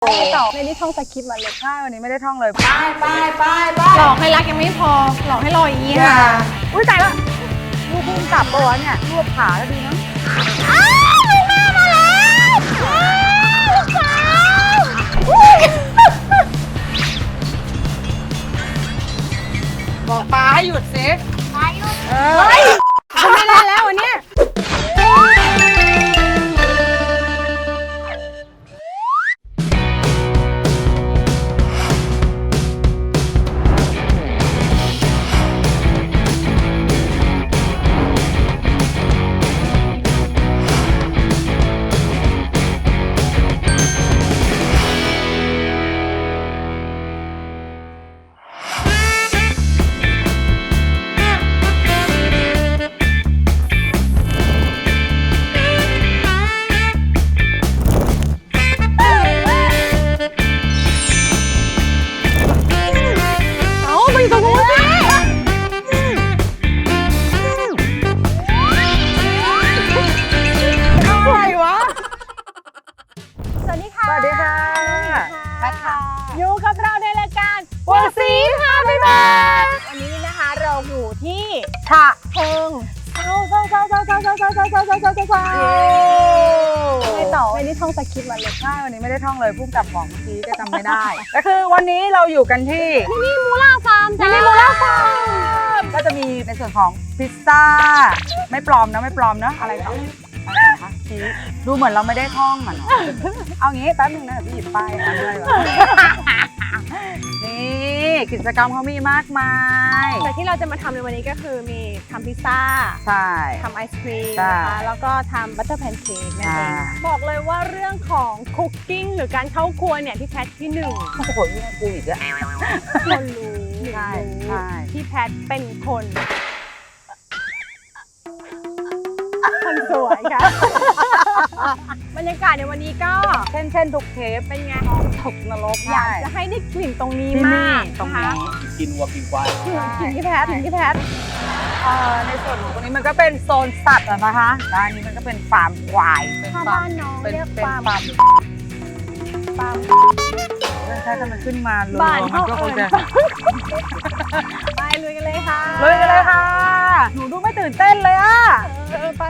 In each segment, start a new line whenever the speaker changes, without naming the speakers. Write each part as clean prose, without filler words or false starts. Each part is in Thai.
ต่อในนี้ท่องสคริปต์มาเลย
ใช่วันนี้ไม่ได้ท่องเลยไป
หลอกให้รักยังไม่พอหลอกให้รออย่างนี้ค่ะ
อุ้ยตายละลูกพุ่งกลับตัวเนี่ยรวบขาแล้วดีนะ
แม่มาแล้วลูกสาว
บอกปลาให้หยุดสิ
ไปลูกเฮ้ยทำไม่ได้แล้ววันนี้อยู่กับเราในรายการบัวสีพาไปบ้านวันนี้นะคะเราอยู่ที่ฉะเชิงไม่ต่อวันนี้ท่องสคริปต์มาเลย
ใช่วันนี้ไม่ได้ท่องเลยพุ่งกลับบอกเมื่อกี้ก็จำไม่ได้ก็คือวันนี้เราอยู่กันที่
มินิมูล่าฟาร์ม
มินิมูล่าฟาร์มก็จะมีในส่วนของพิซซ่าไม่ปลอมนะไม่ปลอมนะอะไรต่อคะชี้ดูเหมือนเราไม่ได้ท่องมันเอางี้แป๊บนึงนะเดี๋ยวพี่หยิบป้ายมาด้วยนี่กิจกรรมเขามีมากมาย
แต่ที่เราจะมาทำในวันนี้ก็คือมีทำพิซซ่า
ใช่
ทำไอศครีมนะคะแล้วก็ทำบัตเตอร์แพนเค้กนั่นเองบอกเลยว่าเรื่องของคุกกิ้งหรือการเข้าครัวเนี่ยพี่แพทที่หนึ่ง
โอ้โหนี่กูอีกแล้ว
คนรู้
ใช่
พี่แพทเป็นคนสวยค่ะบรรยากาศในวันนี้ก็
เช่นทุกเทป
เป็นไง
ตกนรก
อยากจะให้ได้กลิ่นตรงนี้มาก
ตรงนี้
กินวัวกินควาย
กินที่แพท
ในส่วนของตรงนี้มันก็เป็นโซนสัตว์นะคะด้านนี้มันก็เป็นฟาร์มควาย
เป็นฟาร์มเป็นฟาร์ม
ใช่ถ้ามันขึ้นมาเลยมันก็คงจะ
ไปลุยกันเลยค่ะ
หนูดูไม่ตื่นเต้นเลยอ่ะ
ไป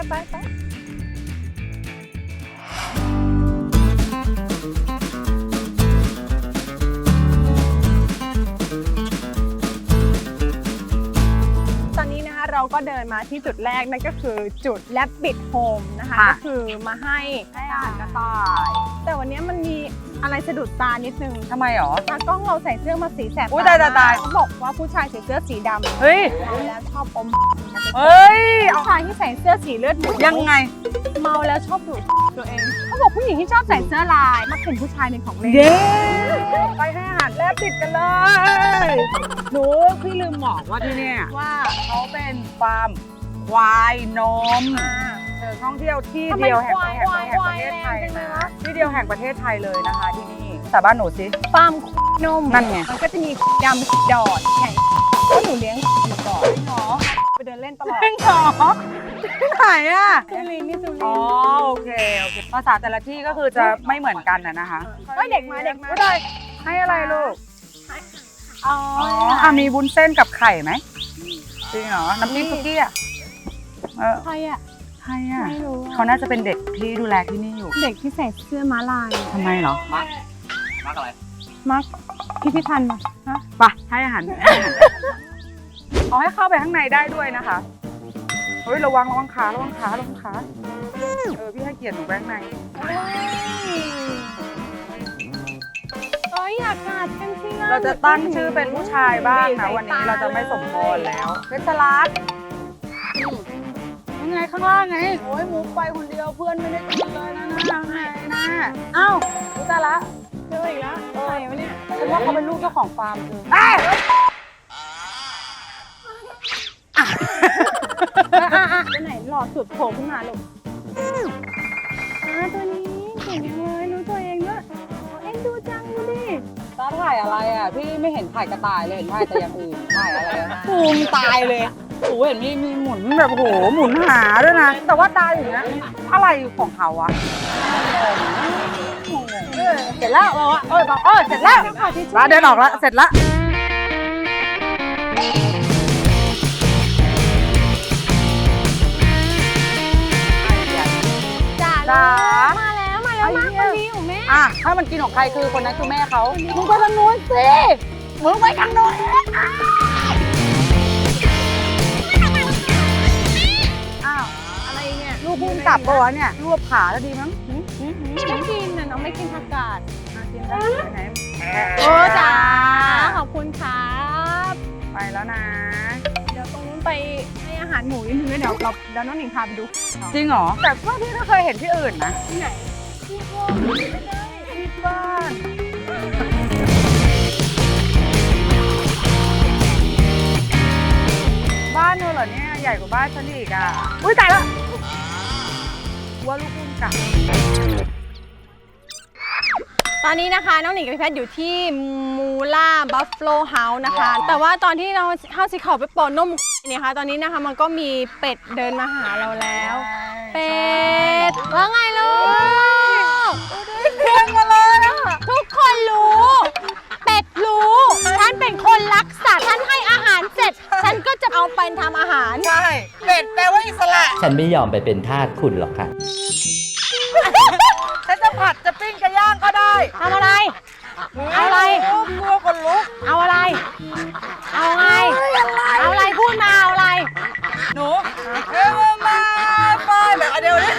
ตอนนี้นะคะเราก็เดินมาที่จุดแรกนั่นก็คือจุด Rabbit Home นะคะก็คือมาให้
อาหารกระต่าย
แต่วันนี้มันมีอะไรสะดุดตานิดนึง
ทำไมหรอ
ตากล้องเราใส่เสื้อมาสีแสบ
ตาย
เขาบอกว่าผู้ชายใส่เสื้อสีดำ
เฮ้ย
แล้วชอบอมผู้ชายที่ใส่เสื้อสีเลือดหมู
ยังไง
เมาแล้วชอบดูตัวเองเขาบอกผู้หญิงที่ชอบใส่เสื้อลายมักเป็นผู้ชายเป็นของเล่น
ไปให้อาหารแลบติดกันเลยหนูพี่ลืมบอกว่าที่นี่ว่าเขาเป็นฟาร์มควายนมท่องเที่ยวที่เดียวแห่งประเทศไทยนะที่เดียวแห่งประเทศไทยเลยนะคะที่นี่แต่บ้านหนูสิ
ฟาร์มนม
นั่นไง
มันก็จะมีดำดอดแข่งก็หนูเลี้ยงอยู่ก่อนเนาะไปเดินเล่นตลอด
ที่ไหนอ่ะ
สุรินทร์นี่สุรินทร์
อ๋อโอเคภาษาแต่ละที่ก็คือจะไม่เหมือนกันนะคะ
เด็กมา
ได้ให้อะไรลูกอ๋อมีวุ้นเส้นกับไข่ไหมจริงเหรอน้ำจิ้มคุกกี้อ่ะ
ใครอ่ะ
ไม่รู้เขาน่าจะเป็นเด็กที่ดูแลที่นี่อยู่
เด็กที่ใส่เสื้อม้าลาย
ทำไมเหรอ
มาร์กอะไร
มาร์กพิพิธภัณฑ์
ฮะไปให้อาหารเอาให้เข้าไปข้างในได้ด้วยนะคะเฮ้ยระวังขาพี่ให้เกียรติหนูไปข้างใน
อยากกัดกันสิ
เราจะตั้งชื่อเป็นผู้ชายบ้างนะวันนี้เราจะไม่สมพรแล้วเพชรรัตน์ยังไงข้างล่างไงโอ้ยมุกไปคนเดียวเพื่อนไม่ได้กินเลยนะอ้าวรู้จักละ
เจออีกแล้วใครวะเนี่ย
ฉันว่าเขาเป็นลูกเจ้าของฟาร์มคือ
ไปไหนหล่อสุดโผล่ขึ้นมาลูกตัวนี้เก่งเลยรู้ตัวเองด้วยเอ็นดูจังดูดิ
ตาถ่ายอะไรอ่ะพี่ไม่เห็นถ่ายกระต่ายเลยเห็นถ่ายแต่อย่างอื่นถ่ายอะไรภูมิตายเลยโอ้เห็นมีหมุนแบบโหหมุนหาด้วยนะแต่ว่าตาอย่างนี้อะไรของเขาอะเสร็จแล้วเราอะบอกเสร็จแล้วร้านเดินออกแล้วเสร็จแล้ว
จ้ามาแล้วมากคนนี้ของแม่
ถ้ามันกินของใครคือคนนั้นคือแม่เขามึงไปทางนู้นสิมึงไปทางโน้น
อะไรเนี่ย
ลูกพุ่งกลับปะวะเนี่ยรวบขาแล้วดีมั้ง
ไม่กินน้องไม่กินผักกาด
กินได้ไหน
โอ้จ้าขอบคุณครับ
ไปแล้วนะ
เดี๋ยวตรงนู้นไปให้อาหารหมูนิดนึงแล้วเดี๋ยวน้องหนิงพาไปดู
จริงเหรอแต่ว่าพี่ก็เคยเห็นที่อื่นนะ
ที่ไหนที่พวกไม่ได้
ที่บ้านบ้านเธอเหรอเนี่ยใหญ่กว่าบ้านฉันอีกอ่ะอุ้ยตายแล้วว่าลูกพุ่งกลับ
ตอนนี้นะคะน้องหนิงกับพี่แพทย์อยู่ที่มูล่าบัฟฟ l o เฮาส์นะคะ แต่ว่าตอนที่เราเข้าสิเขาไปปอนนมเนี่ยค่ะตอนนี้นะคะมันก็มีเป็ดเดินมาหาเราแล้ว เป็ดว่าไงลูก
เพียงมาเลยอ่ะ
ทุกคนรู้ เป็ดรู้ฉันเป็นคนรักสัตว์ฉันให้อาหารเสร็จ ฉันก็จะเอาไปทำอาหาร
ใช่เป็ดแปลว่าอิสระ
ฉันไม่ยอมไปเป็นทาสคุณหรอกค่ะ
ฉันจะผัดจะปิ้งจะย่างก็ได้
ทำอะไร เอาอะไร
กลัวคนลุก
เอาอะไร เอาไง เอาอะไรพูดมาเอาอะไร
หนูมาไปแบบเดียวนี้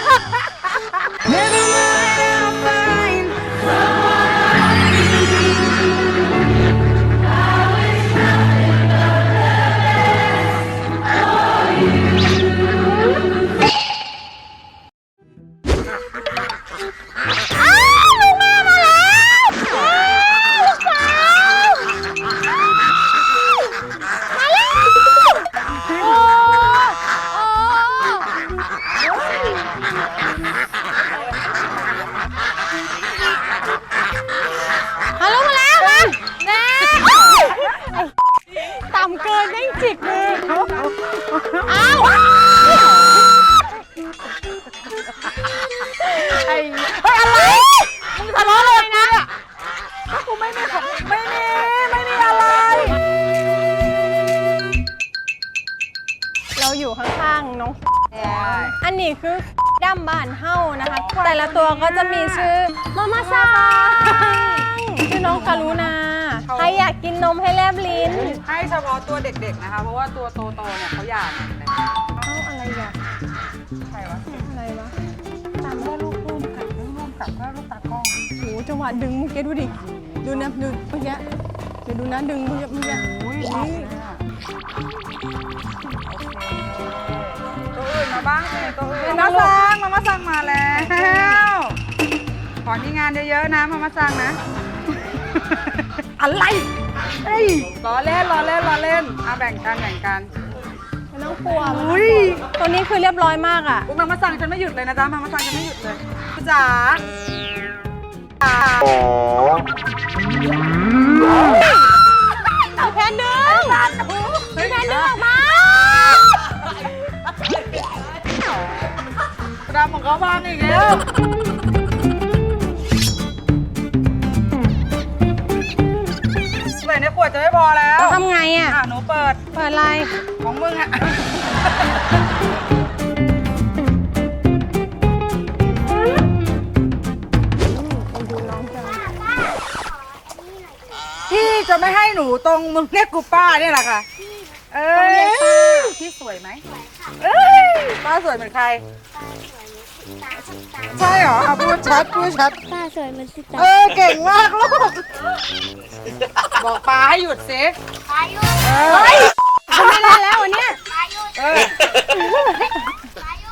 ฮัลโหลมาแล้วมาแน่ต่ำเกินไม่จิกเลยเอ้าเฮ้ยอะไรมึงทะเลาะเลยนะ
กูไม่มีอะไร
เราอยู่ข้างๆน้องอันนี้คือดั้มบ้านเฮ้านะคะ แต่ละตัวก็จะมีชื่อมาม่าซังชื่อน้องการุณาใครอยากกินนมให้แลบลิ้น
ให้เฉพาะตัวเด็กๆนะคะ เพราะว่าตัวโตๆเนี่ยเขาอยาก
เอ้าอะไรอ่ะ
ใครวะ
อะไรวะ
ตามได้ลูกพุ่งกับลูกกับก็ลูกตากล้อง
โหจังหวะดึงเมื่อกี้ดูดิ ดูนะดูเมื่อกี้เดี๋ยวดูนะดึงเมื่อกี้
อุ้ยตัวอื่นมาบ้างสิตัวอื่นมามาสั่งมาแล้วขอมีงานเยอะๆนะมาสั่งนะ อะไรเฮ้ยล้อเล่นแบ่งกัน
ไม่ต้องกลัว
อุ้ย
ตัวนี้คือเรียบร้อยมากอ่ะ
มาสั่งฉันไม่หยุดเลยนะจ๊ะมาสั่งฉันไม่หยุดเลยจ๋า
แพนดึงแพนดึงออกมา
ดำของเขาบ้างอีกแล้วใส่ในขวดจะไม่พอแล้ว
ทำไงอ่ะ
หนูเปิด
เปิดอะไร
ของมึงอะพี่จะไม่ให้หนูตรงมึงเรียกกูป้าเนี่ยแหละค่ะพี่สวยไหมป้าสวยเหมือนใครใช่เหรอพูดชัด
ป้าสวยเหมือนสิตา
เก่งมากลูกบอกป้าให้หยุดสิ
ป้ายุ
เฮ้ย
ทำไม่ได้แล้ววันเนี้ย
ป้ายุ
เออ
ป้ายุ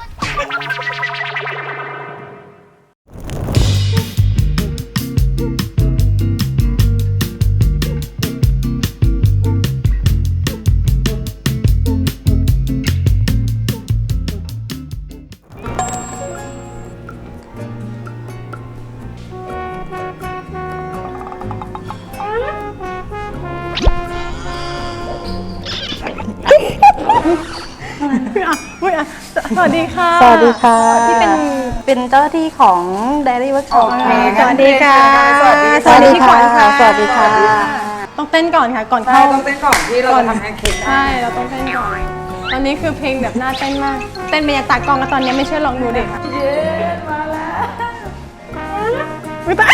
สวัสดีค่ะ
สวัสดีค่ะ
ที่เป็น
เป็นเจ้าหน้าที่ของ Dairy Workshop
โอเค
สวัสดีค่ะ
สวัสดี
สวัสดีค่ะ
สวัสดีค่ะ
สวัสดีค่ะ
ต้องเต้นก่อนค่ะ ก่อน
ใช่
เข้า
ต้องเต้นก่อนที่เราจะทำแพนเค้ก
ใช่ เราต้องเต้นก่อน ตอนนี้คือเพลงแบบน่าเต้นมาก เต้นไปยังตากล้องแล้วตอนนี้ไม่เชื่อลองดูดิค่ะ
เย้มาแล้ว
อุ๊ยตาย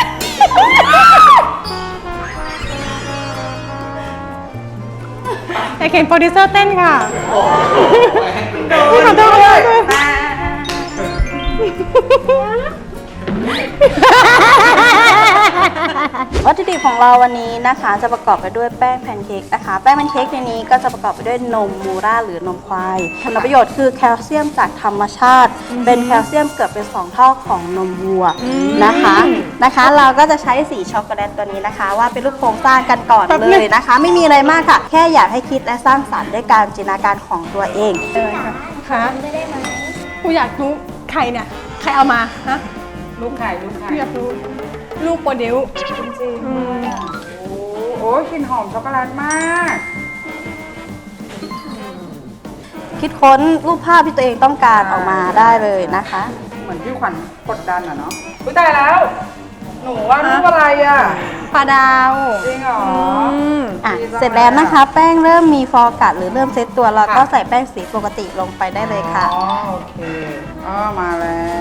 อยากเห็นโปรดิวเซอร์เต้นค่ะขอโทษค่ะ
วัตถุดิบของเราวันนี้นะคะจะประกอบไปด้วยแป้งแพนเค้กนะคะแป้งแพนเค้กในนี้ก็จะประกอบไปด้วยนมมูราหรือนมควายคุณประโยชน์คือแคลเซียมจากธรรมชาติ เป็นแคลเซียมเกือบเป็น2เท่าของนมวัวนะคะเราก็จะใช้สีช็อกโกแลตตัวนี้นะคะว่าเป็นรูปโครงสร้างกันก่อนเลยนะคะ ไม่มีอะไรมากค่ะ แค่อยากให้คิดและสร้างสรรค์ด้วยการจินตนาการของตัวเอง
ค่ะกูอยากรู้ใครเนี่ย ใครเอามา ฮะ
ลูกไข่ลูกไข่
กูอยากรู้ ลูกโปรดิว
จริงๆโอ้กลิ่นหอมช็อกโกแลตมาก
คิดค้นรูปภาพที่ตัวเองต้องการออกมาได้เลยนะคะ
เหมือนพี่ขวัญกดดันอะเนาะอุ้ยตายแล้ว หนูว่ารูปอะไรอะ
ปลาดาว
จริงเหรอ
อ่ะเสร็จแล้วนะคะ แป้งเริ่มมีฟองกัดหรือเริ่มเซตตัวเราก็ใส่แป้งสีปกติลงไปได้เลยค่ะ
อ๋อโอเคมาแล้ว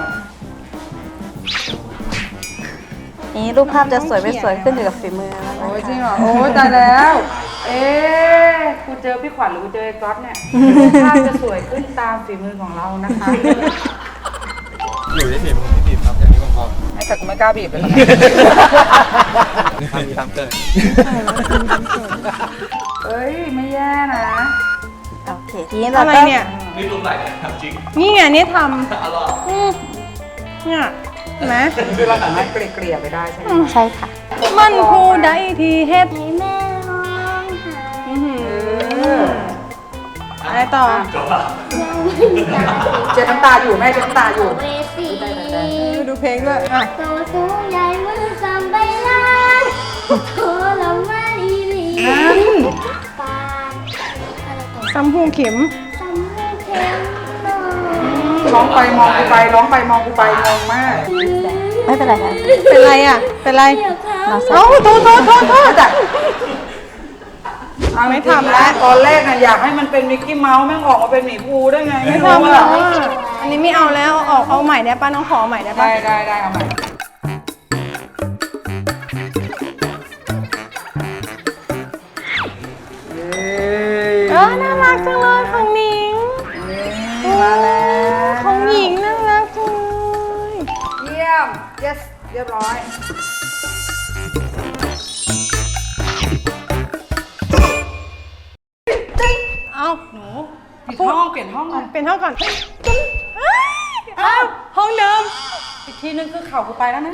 นี้รูปภาพจะสวยไม่สวยขึ้นอยู่กับฝีมือแล้วนะ
โอ้ย
คะ
จริงเหรอ โอ้ยตายแล้ว เอ๊ะกูเจอพี่ขวัญหรือกูเจอไอ้ก๊อตเนี่ยภาพจะสวยขึ้นตามฝีมือของเรานะคะ
อยู่ที่บีบผมบีบครับอย่างนี้ผมพอ
ไอ้แต่กูไม่กล้าบีบเลยนะ
ทำตามเกิด
เอ้ยไม่แย่นะ
โอเคทีนี้เรา
อะไร
ก็
เนี่ย
นี่รูปไหนทำจริง
นี่ไงนี่ท
อร่อย
ำเนี่ยเห็นไหม
คือเราสามารถเกลี่ยๆไปได้ใช่ไหม
ใช่ค่ะ
มันผู้ใดที่เฮ็ด
ให้แม่ร้องไห้
อื้อหืออะไรต่อ
จบละ
เจ็บน้ำตาอยู่แม่เจ็บน้ำตาอยู่
เวสี
ดูเพลงด้วยอ่ะ
โตสูงใหญ่มือสามใบล้านโทรละมาอีหลีปานอะไรต่อ
ซัมพูเข็ม
สำเร็จเข็มนอน
ร้องไปมองกูไปร้องไปมองกูไปงงมาก
ไม่เป็นไรค่ะ
เป็นไรอ่ะ เป็นไร
เดี๋ยวเขา
เราใส่
เอ้าโทษ
จ้ะ
จ้ะไม่ทำแล้ว
ตอนแรกน่ะอยากให้มันเป็นมิกกี้เมาส์แม่งออกมาเป็นหมีภูได้ไง
ไม่
ไม่รู้
ทำแล้ว
อ่ะ
อ่ะอันนี้ไม่เอาแล้วเอาใหม่ได้ป่ะน้องขอใหม่ได้ป่ะ
ได้เอาใหม่เอ้ย
น่ารักจังเลยของหนิง
มาแล้ว
ของหญิงน่ารักจังเลย
เยี่ยม yes เรียบร้อย
เอาหนู
เปลี่ยนห้องเปลี่ยนห้องเลย
เป็นห้องก่อนเอ้าห้องเดิม
อีกทีนึงคือเข่ากูไปแล้วนะ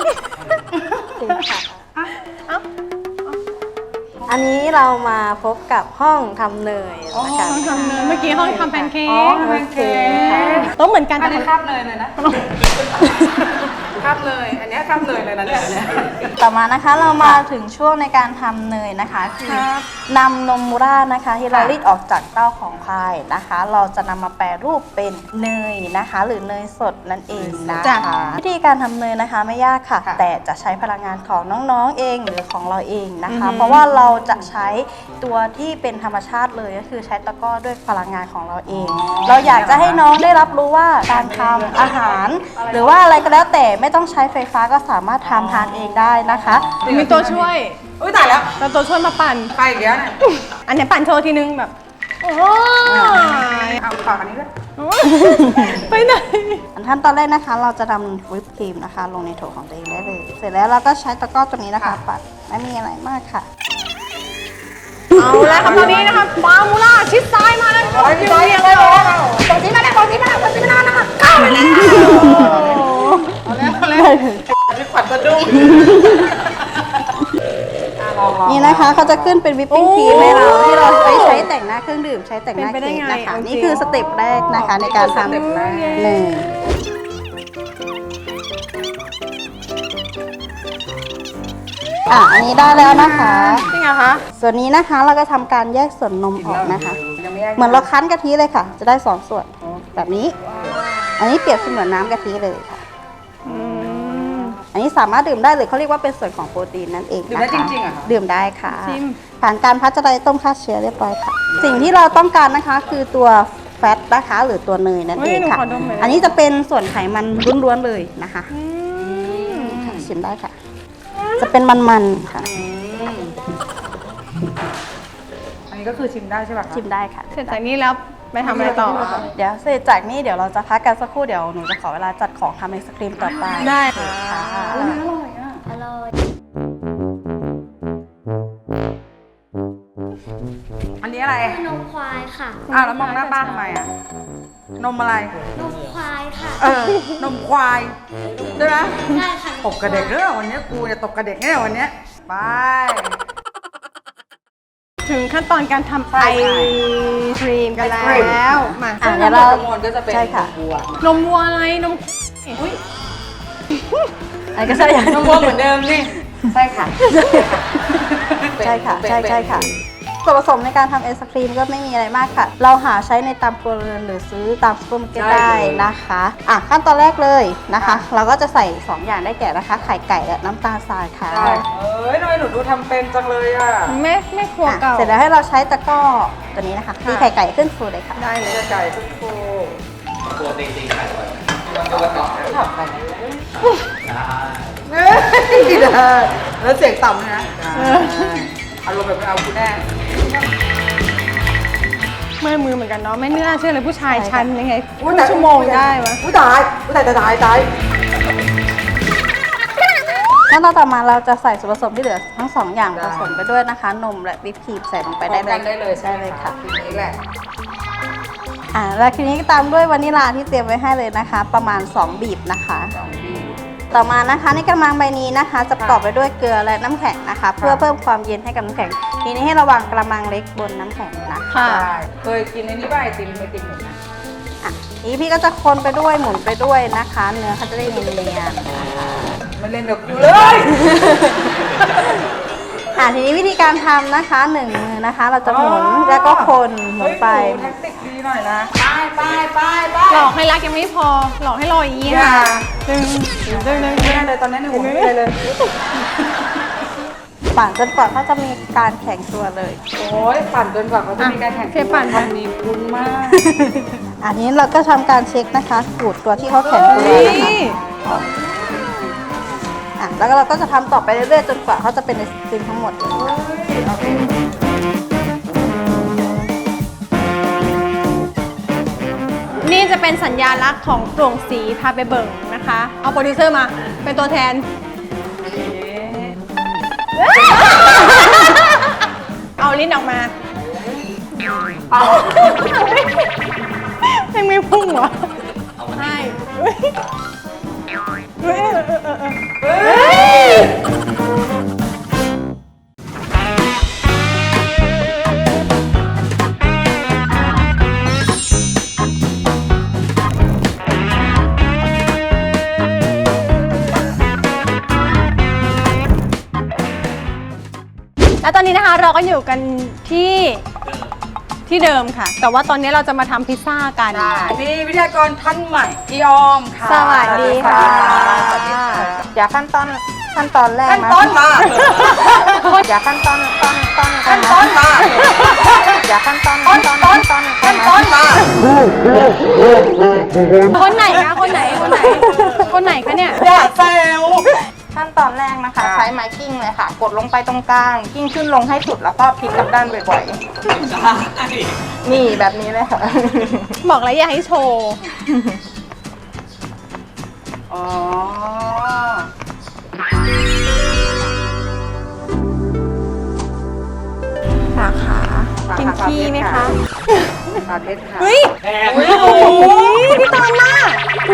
เอ้า
อันนี้เรามาพบกับห้องทำเนยนะคะ
ห้องทำเนยเมื่อกี้ห้องทำแพนเค้
อ๋อก แพนเค้ก
ต้องเหมือนกัน
อัน
แต่
นี้คาบเลยนะคาบเลย อันนี้คาบเลยเลยนะเนี่ย
ต่อมานะคะเรามาถึงช่วงในการทำเนยนะคะคือนำนมมูรานะคะที่เรารีดออกจากเต้าของควายนะคะ เราจะนำมาแปรรูปเป็นเนยนะคะ หรือเนยสดนั่นเองนะคะวิธีการทำเนยนะคะไม่ยากค่ะ แต่จะใช้พลังงานของน้องๆเองหรือของเราเองนะคะ เพราะว่าเราจะใช้ตัวที่เป็นธรรมชาติเลยก็คือใช้ตะกร้อด้วยพลังงานของเราเอง เราอยากจะให้น้องได้รับรู้ว่าการทำอาหาร หรือว่าอะไรก็แล้วแต่ไม่ต้องใช้ไฟฟ้าก็สามารถทำทานเองได้นะคะ
มีตัวช่วย
อุ้ยตายแล้ว
เราตัวช่วยมาปั่น
ไปอีกแล้วเนี่ย
อันนี้ปั่นโชว์ทีนึงแบบ โอ้ย
เอาฝากอันนี้ด้วย
ไปไหน
ขั้นตอนแรกนะคะ เราจะนำวิปครีมนะคะ ลงในโถของตัวเองได้เลย เสร็จแล้วเราก็ใช้ตะกร้อตัวนี้นะคะปัดไม่มีอะไรมากค่ะ
เอาแล้วครับตอนนี้นะคะฟามูล่าชิดซ้ายมาแล้ว
ร้อยร้อย
เรียง
เล
เลย ย
ตรงนี้มาแล้วตรงนี้มาแล้วตรงนี้มาแล้วนะคะเข้าไปแล้วเอาแล้วพี่ขวัญสะดุ้ง
นี่นะคะเขาจะขึ้นเป็นวิปปิ้งครีมให้เราที่เราไปใช้แต่งหน้าเครื่องดื่มใช้แต่งหน้าเค้กนะคะนี่คือสเต็ปแรกนะคะในการทำเนยอันนี้ได้แล้วนะคะ
จริงเหรอคะ
ส่วนนี้นะคะเราก็ทำการแยกส่วนนมออกนะคะ
ยังไม่แยก
เหมือนเราคั้นกะทิเลยค่ะ จะได้2ส่วนแบบนี้ อันนี้เปรียบเสมือนน้ำกะทิเลยค่ะนี้สามารถดื่มได้หรือเขาเรียกว่าเป็นส่วนของโปรตีนนั่นเอง
ดื่ม
นะคะ
ได้จริงๆเหรอคะ
ดื่มได้ค่ะ
ชิม
ผ่านการพัชไดต้มฆ่าเชื้อเรียบร้อยค่ะ สิ่งที่เราต้องการนะคะคือตัวแฟตนะคะหรือตัวเนยนั่น
เฮ้
เอย ง
หนู
ค่ะ
ขอดมหน่อย
อันนี้จะเป็นส่วนไขมันล้วนๆเลยนะคะ
อืม
ค่ะชิมได้ค่ะ จะเป็นมันๆค่ะ
อันนี้ก็คือชิมได้ใช่ป่ะคะ
ชิมได้ค่ะ
เสร็จจากนี้แล้วไปทำอะไรต่อคะ
เดี๋ยวเสร็จจากนี้เดี๋ยวเราจะพักกันสักครู่เดี๋ยวหนูจะขอเวลาจัดของทำไอศครีมต่อไป
ได้
ค่ะ
อร่อยอ่ะ
อร่อย
อันนี้อะไร
นมควายค่ะ
อ้าวแล้วมองหน้าป้าทำไมอ่ะ นมอะไร
นมควายค่ะ
นมควายใช่ไหม
ได้ค่ะ
ตบกระเด็กเรื่องวันนี้กูเนี่ยตบกระเด็กแน่วันนี้ไป
ถึงขั้นตอนการทำไอครีมกันแล้ว มา
อ่ะเดี๋ยวเรา
ทั้งหมดก็จะเป็น
ใช่ค่ะ
บัว
นมวัวอะไร นม
อันนี้ก็ใช่อย่าง
นมบัวเหมือนเดิมนี่ใช่ค่ะ
ใช่ค่ะ ใช่ใช่ค่ะ ส่วนผสมในการทำไอศครีมก็ไม่มีอะไรมากค่ะ เราหาใช้ในตามครัวเรือนหรือซื้อตามซูเปอร์มาร์เก็ตได้นะคะขั้นตอนแรกเลยนะคะ เราก็จะใส่ 2 อย่างได้แก่นะคะ ไข่ไก่และน้ำตาลทรายค่ะ
ใช่ทำไมหนูดูทำเป็นจังเลยอ่ะ
ไม่ครัวเก่า
เสร็จแล้วให้เราใช้ตะกร้อตัวนี้นะคะตีไข่ไก่ขึ้นฟูเลยค่ะ
ได้เลย
ไก่ทุกโค
ตัวจริงๆขายบ่อยไหม
ขับไปได้แล้วเสียงต่ำนะอารมณ์แบบเอาคุณแน่
เมื่อยมือเหมือนกันเนาะ ไม่น่าเชื่อเลยผู้ชายชั้นยังไง
อุ๊ย
ครึ่งชั่วโมงได้วะ
อุ้ยตายอุ้ยตายตาย
ขั้นตอนต่อมาเราจะใส่ส่วนผสมที่เหลือทั้ง 2 อย่างผสมไปด้วยนะคะ นมและวิปครีมใส่ลงไปได้เลย
ได้เลย
ได้เลยค่ะ
ทีนี้แหละ
แล้วทีนี้ก็ตามด้วยวานิลลาที่เตรียมไว้ให้เลยนะคะ ประมาณ 2 บีบนะคะ ต่อมานะคะในกระมังใบนี้นะคะ จะประกอบไปด้วยเกลือและน้ำแข็งนะคะ เพื่อเพิ่มความเย็นให้กับน้ำแข็ง ทีนี้ให้ระวังกระมังเล็กบนน้ำแข็งนะคะ
ค่ะ
ได้เคยกินในนี้ป่ะไอติมหมูนะ
นี้พี่ก็จะคนไปด้วยหมุนไปด้วยนะคะ เนื้อเขาจะได้เนียนๆนะคะ
ไม่เล่นกับกูเลย
ทีนี้วิธีการทำนะคะ1 มือนะคะ เราจะหมุนแล้วก็คนหมุนไป
แท็กติกดีหน่อยนะไป
หลอกให้รักยังไม่พอ หลอกให้รออย่างนี้
อย่า
ค่ะดึง
ไม่ได้เลยตอนนี้ในหัวไม่ได้เลย
ปั่นจนกว่าเขาจะมีการแข็งตัวเลย
โอ้ยปั่นจนกว่าเขาจะมีการแข่ง
เชฟปั่น
ทำดีคุณมาก
อันนี้เราก็ทำการเช็คนะคะขูดตัวที่เขาแข็งตัว
นี่
นะคะแล้วก็เราก็จะทำต่อไปเรื่อยๆจนกว่าเขาจะเป็นไอศครีมทั้งหมดเลย
นี่จะเป็นสัญญาลักษณ์ของโปร่งสีพาไปเบิ่งนะคะ เอาโปรดิวเซอร์มา เป็นตัวแทน เอาลิ้นออกมายังไม่พุ่งเหรอใช่เฮ้ยเฮ้ย แล้วตอนนี้นะคะเราก็อยู่กันที่เดิมค่ะ แต่ว่าตอนนี้เราจะมาทำพิซซ่ากัน
มีวิทยากรท่านใหม่พี่ออมค่ะ
สวัสดีค่ะ
สวัสดีค่ะ
เดี๋ยวขั้นตอนแรก
ขั้น
นะ
ต้นมา
เดี๋ยวขั้นตอน
ขั้นต้นมา
เดี๋ยวขั้นตอน
ขั้นต้นมา
คนไหนคะคนไหนคะเนี่ย
อย่าแซว
ขั้นตอนแรกนะคะ ใช้ไม้กิ้งเลยค่ะ กดลงไปตรงกลางกิ้งขึ้นลงให้สุดแล้วก็พลิกกลับด้านบ่อยๆนี่แบบนี้เลยค่ะ
บอกแล้วอย่าให้โชว์
อ๋อ
สาขา
กินขี้ไหมคะ
ปลาเพชรค่ะ
เฮ้ยโอ้ยพี่ตอนมาก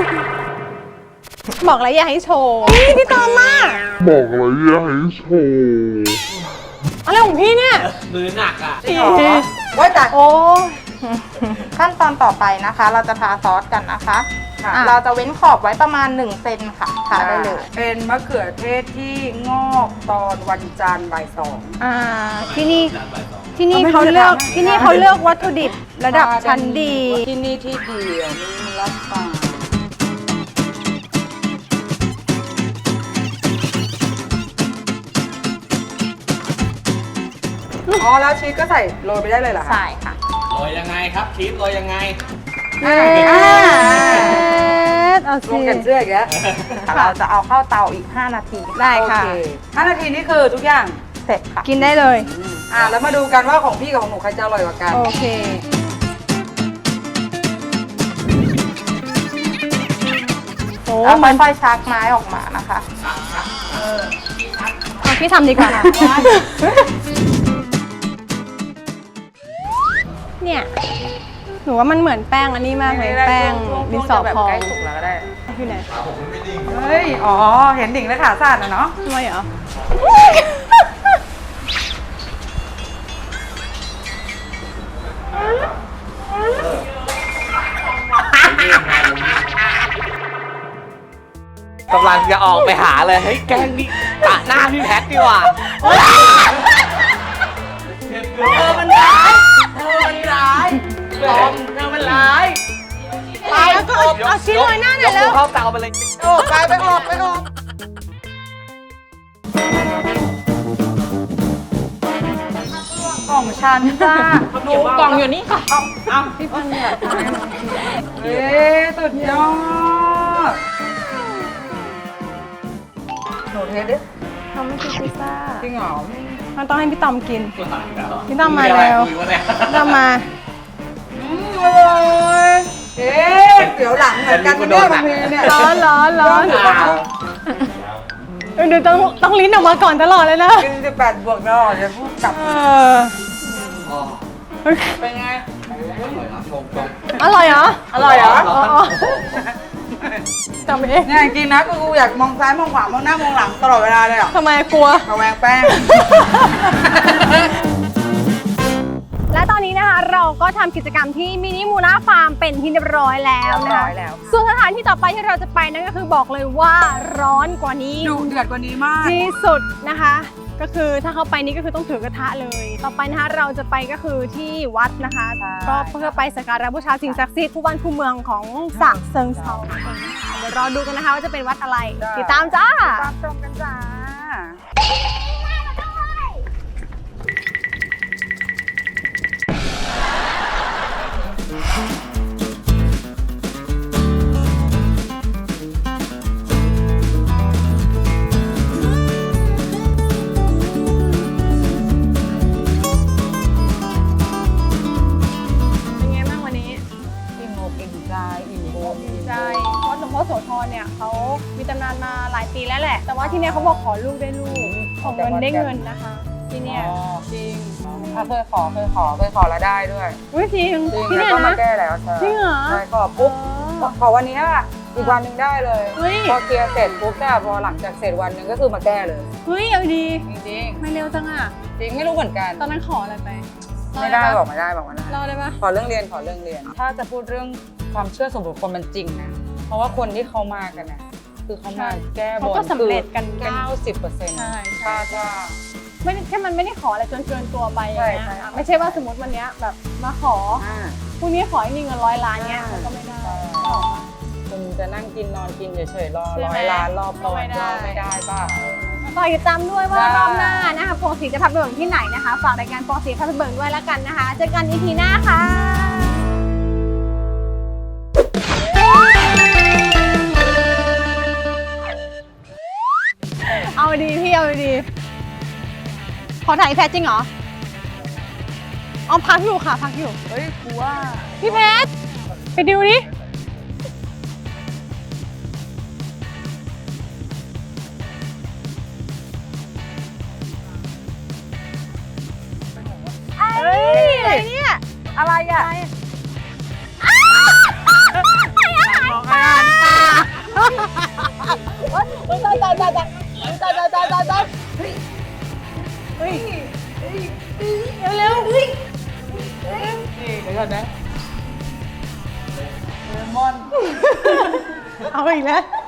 บอกแล้วอย่าให้โชว์พี่ตอนมาก
บอกแล้วอย่าให้โชว์
อะไรของพี่เนี่ย
มือหนักอ่ะ
ไว้แต่
โอ้
ขั้นตอนต่อไปนะคะ เราจะทาซอสกันนะคะ
ค่ะ
เราจะเว้นขอบไว้ประมาณ1 เซนค่ะทาได้เลย
เป็นมะเขือเทศที่งอกตอนวันจันทร์บ่าย
ที่นี่
ก็ไม่
เขา
รู้จะ
เลือก
ทำไง
ที่นี่เขาเลือกวัตถุดิบระดับชั้นดี
ที่นี่ที่เดียวมีรับฟังอ๋อแล้วชีสก็ใส่โรยไปได้เลยเหรอคะ
ใช่ค่ะ
โรยยังไงครับชีสโรยยังไง
เอา
ล
สิ
งแขนเสื้ออีกแล้วเราจะเอาเข้าเตาอีก 5 นาที
ได้ค่ะ
โอเ5 นาทีนี่คือทุกอย่าง
เสร็จค่ะ
กินได้เลย
แล้วมาดูกันว่าของพี่กับของหนูใครจะอร่อยกว่ากัน
โอเคโอ้
แล้ว
มัน
ค่อยๆชักไม้ออกมานะคะ
เอาพี่ทำดีกว่าเนี่ย หนูว่ามันเหมือนแป้งอันนี้มากเลย แป้งดินสอ
แบบ
พอง
ใกล้สุกแล้วก็ได้
อยู่ไหน
เฮ้ย อ๋อ เห็นดิ่งและขาสั้นนะเนาะ
ทำไมเหรอ
กำลังจะออกไปหาเลย เฮ้ย แกงนี่ตะหน้าพี่แพทดีกว่า
เธอมันร้ายเธอมันร้ายลอมเธอมันร้าย
ไปแล้วก็เอาชิ้นลอยหน้าหน่อยแล้ว
กเข้าเตาไปเลย
โอ้ไปออกกล่องฉันจ้าหนูกล่องอยู่นี่ค่ะ เอาพี่พันเนี่ยเฮ้ยสุดยอดหนูเทสดิ
ทำไม่กินพิซซ่า
จริงเหรอ
มันต้องให้พี่ตอมกิน พี่ตอมมาแล้วพี่ตอมมา
อร่อยเอ๊ะเดี๋ยวหลังเหมือนกันเนี่ยบางทีเนี่ย
ร้อนเดี๋ยวต้องลิ้นออกมาก่อนตลอดเลยนะ
กิน18 บวกตลอดจะพูดกลับ เป็นไง
อร่อยเหรอ
อร่อยเหรอ
จำเอง
เนี่ยจริงๆนะกูอยากมองซ้ายมองขวามองหน้ามองหลังตลอดเวลาเลยอ่ะ
ทำไมกลัว
ระแวงแป้ง
และตอนนี้นะคะเราก็ทำกิจกรรมที่มินิมูล่าฟาร์มเป็นที่เรียบร้อยแล้วนะคะ
เรียบร้อยแล้ว
ส่วนสถานที่ต่อไปที่เราจะไปนั่นก็คือบอกเลยว่าร้อนกว่านี้
ดูเดือดกว่านี้มาก
ที่สุดนะคะ ก็คือถ้าเข้าไปนี่ก็คือต้องถือกระทะเลย ต่อไปนะคะเราจะไปก็คือที่วัดนะคะ ก็เพื่อไปสักการะบูชาสิ่งศักดิ์สิทธิ์คู่บ้านคู่เมืองของฉะเชิงเทราเดี๋ยวรอดูกันนะคะว่าจะเป็นวัดอะไร ติดตามจ้า
ตามชมกันจ้า
เป็นไงบ้างวันนี้
อิ่มอกอิ่มใจอิ่มบุญ
ใช่วัดหลวงพ่อโสธรเนี่ยเขามีตำนานมาหลายปีแล้วแหละ แต่ว่าที่เนี่ยเขาบอกขอลูกได้ลูก ขอเงินได้เงินนะคะ ที่เนี่ย
จริงเคยขอแล้วได้ด้วย
อุ้ยจริง
จริง
ที่
แล้ว
เนี่ย
ก็มา
นะ
แก้แล้วใช่
จริงเหรอ
ใช่ขอปุ๊บขอวันนี้อะอีกวันหนึ่งได้เลย
เฮ้ย
พอเคลียร์เสร็จปุ๊บเนี่ยพอหลังจากเสร็จวันหนึ่งก็คือมาแก้เลย
เฮ้ยเอาดี
จริง
ไม่เร็วจังอ่ะ
ๆจริงไม่รู้เหมือนกัน
ตอนนั้นขออะไรไป
ไม่ได้
ปะ
บอกไม่ได้บอกไม่ได้
เล่าได้ปะ
ขอเรื่องเรียน ถ้าจะพูดเรื่องความเชื่อส่วนบุคคลมันจริงนะ เพราะว่าคนที่เขามากันนะคือเขามาแก้บ
เขา
น
ก็สำเร็จกัน
90%
ใช่
คาดว่า
ไม่ได้แค่มันไม่ได้ขออะไรจนเกินตัวไปอย่างเงี้ย
ใช่
อ่ะไม่ใช่ว่าสมมติวันเนี้ยแบบมาขอพรุ่งนี้ขอให้มีเงิน100 ล้านเงี้ยมันก็ไม่ได้ขอปะ
คุณจะนั่งกินนอนกินเฉยๆรอ
ใช่ไหม
100 ล้านรอบ
ก็ไม่ได้
ไม่ได้ป่ะ
ฝากติดตามด้วยว่า
ได้
รอบหน้านะคะปองศรีจะพาไปเบิ่งที่ไหนนะคะ ฝากรายการปองศรีพาไปเบิ่งด้วยแล้วกันนะคะ เจอกัน EP หน้าค่ะ เอาดีพี่เอาดี ขอถ่ายแพทจริงเหรอเอาพักอยู่ค่ะพักอยู่
เฮ้ยกูว่า
พี่แพทไปดูดิเอ้ยอะไรเนี่ย
อะไรอ่ะ
เร็วๆ
นี่เดี๋ยวก่อนนะเลมอน
เอาอีกแล้ว